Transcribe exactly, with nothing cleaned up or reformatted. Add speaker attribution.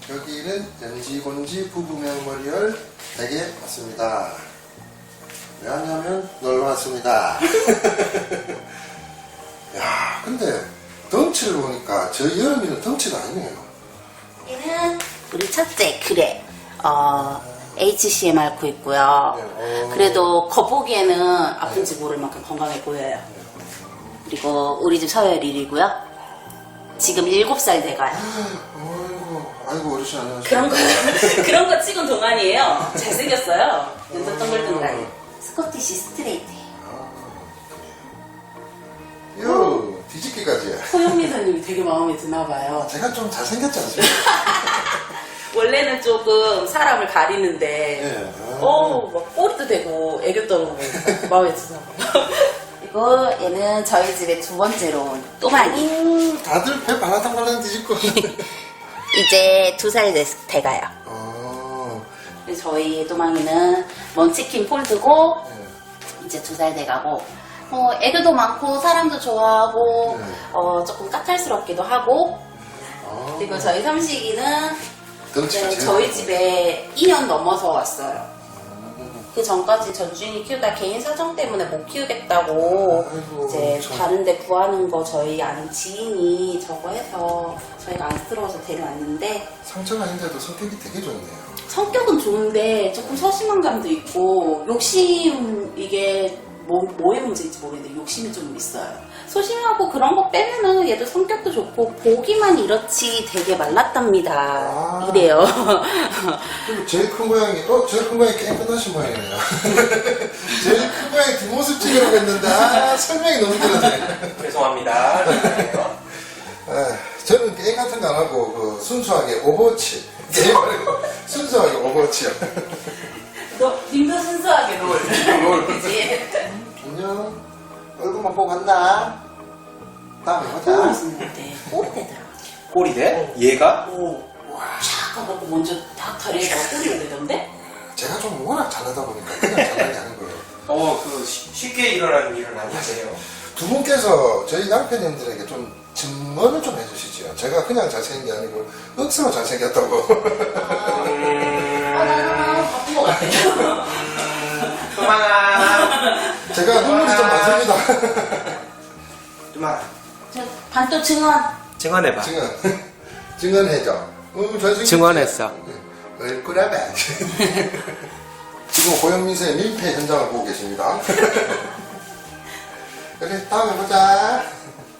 Speaker 1: 여기는 연지곤지 부부명머리열 댁에 왔습니다. 왜 왔냐면 놀러 왔습니다. 야, 근데 덩치를 보니까 저 여름이는 덩치가 아니네요.
Speaker 2: 얘는 우리 첫째 그래 어, 에이치씨엠 앓고 있고요.
Speaker 1: 네, 어.
Speaker 2: 그래도 겉보기에는 아픈지 모를 만큼 건강해 보여요. 그리고 우리 집 서열일이고요. 지금 일곱 살 돼가요.
Speaker 1: 아이고, 아이고 어르신 안녕하세요.
Speaker 2: 그런 거 그런 거 치곤 동안이에요. 잘생겼어요. 눈도 동글동글. 스코티시 스트레이트예요.
Speaker 1: 요 뒤집기까지.
Speaker 2: 소영미 사님이 되게 마음에 드나 봐요.
Speaker 1: 제가 좀 잘생겼지 않습니까?
Speaker 2: 원래는 조금 사람을 가리는데
Speaker 1: 네.
Speaker 2: 어, 막 꼬리도 대고 애교 떨고 마음에 드나 봐요. 그리고 얘는 저희 집에 두 번째로 온 또마니.
Speaker 1: 음, 다들 배 발라당발랑 뒤집고.
Speaker 2: 이제 두 살 돼가요.
Speaker 1: 어,
Speaker 2: 그래서 저희 또망이는 먼치킨 폴드고
Speaker 1: 네.
Speaker 2: 이제 두 살 돼가고 어, 애교도 많고 사람도 좋아하고
Speaker 1: 네.
Speaker 2: 어, 조금 까탈스럽기도 하고
Speaker 1: 어,
Speaker 2: 그리고 저희 삼식이는
Speaker 1: 덩치가
Speaker 2: 이제
Speaker 1: 제일
Speaker 2: 저희
Speaker 1: 크고.
Speaker 2: 집에 이 년 넘어서 왔어요.
Speaker 1: 음,
Speaker 2: 그 전까지 전주인이 키우다 개인 사정 때문에 못 키우겠다고
Speaker 1: 아이고,
Speaker 2: 이제
Speaker 1: 참.
Speaker 2: 다른데 구하는 거 저희 아는 지인이 저거 해서 저희가 안쓰러워서 데려왔는데
Speaker 1: 상처가 아닌데도 성격이 되게 좋네요.
Speaker 2: 성격은 좋은데 조금 소심한 감도 있고 욕심 이게 뭐, 뭐의 문제인지 모르겠는데 욕심이 좀 있어요. 소심하고 그런 거 빼면은 얘도 성격도 좋고 보기만 이렇지 되게 말랐답니다.
Speaker 1: 아.
Speaker 2: 이래요.
Speaker 1: 그리고 제일 큰 고양이, 어? 제일 큰 고양이 게임 끝나신 모양이네요. 제일 큰 고양이 뒷모습 찍으려고 했는데, 아, 설명이 너무 길었네.
Speaker 3: 죄송합니다.
Speaker 1: 아, 저는 게임 같은 거 안 하고, 그, 순수하게 오버워치. 게임 말고, 순수하게 오버워치요.
Speaker 2: 너 님도 순수하게 롤.
Speaker 1: 롤.
Speaker 2: 그치?
Speaker 1: 안녕. 얼굴만 보고 간다. 다음에
Speaker 2: 꼬리
Speaker 1: 보자.
Speaker 2: 있는데 꼬리 대더라고요.
Speaker 3: 꼬리 대? 얘가?
Speaker 2: 오. 촥 하고 먼저 딱 다리에다가 꼬리를 내던데?
Speaker 1: 제가 좀 워낙 잘하다 보니까 그냥 잘하는 게 아닌 거예요.
Speaker 3: 어, 그 쉬- 쉽게 일어나는 일은 아니세요.
Speaker 1: 두 분께서 저희 양편님들에게 좀 증언을 좀 해주시죠. 제가 그냥 잘생긴 게 아니고 억수로 잘생겼다고.
Speaker 2: 아, 나 바쁜 것 같아요.
Speaker 3: 도망아.
Speaker 1: 제가 눈물이 좀 많습니다.
Speaker 3: 도망아.
Speaker 2: 저 반또 증언.
Speaker 3: 증언해봐.
Speaker 1: 증언. 증언해줘. 어, 잘생겼지?
Speaker 3: 증언했어.
Speaker 1: 얼굴아봐. 지금 고영민세의 밀폐 현장을 보고 계십니다. 그래, 다음에 보자.